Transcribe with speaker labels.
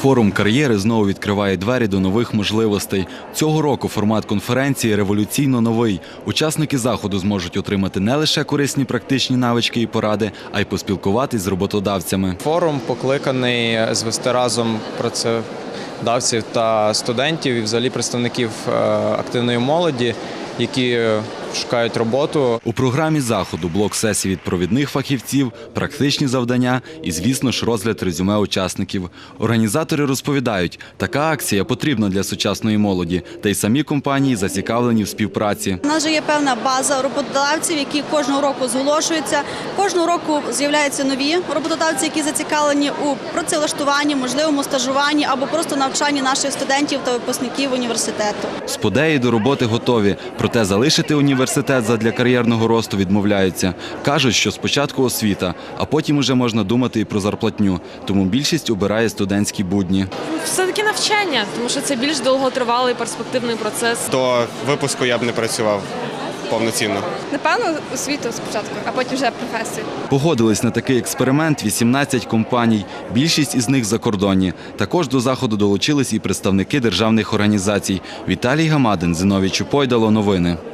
Speaker 1: Форум кар'єри знову відкриває двері до нових можливостей. Цього року формат конференції революційно новий. Учасники заходу зможуть отримати не лише корисні практичні навички і поради, а й поспілкуватись з роботодавцями.
Speaker 2: Форум покликаний звести разом працедавців та студентів і взагалі представників активної молоді, які шукають роботу.
Speaker 1: У програмі заходу блок сесій від провідних фахівців, практичні завдання і, звісно ж, розгляд резюме учасників. Організатори розповідають, така акція потрібна для сучасної молоді, та й самі компанії зацікавлені в співпраці.
Speaker 3: У нас вже є певна база роботодавців, які кожного року зголошуються. Кожного року з'являються нові роботодавці, які зацікавлені у працевлаштуванні, можливому стажуванні або просто навчанні наших студентів та випускників університету.
Speaker 1: Сподеї до роботи готові, проте залишити університет задля кар'єрного росту відмовляються. Кажуть, що спочатку освіта, а потім уже можна думати і про зарплатню. Тому більшість обирає студентські будні.
Speaker 4: Все-таки навчання, тому що це більш довготривалий перспективний процес.
Speaker 5: До випуску я б не працював повноцінно.
Speaker 6: Напевно, освіту спочатку, а потім вже професію.
Speaker 1: Погодились на такий експеримент 18 компаній, більшість із них закордонні. Також до заходу долучились і представники державних організацій. Віталій Гамадин, Зіновій Чупойдало, новини.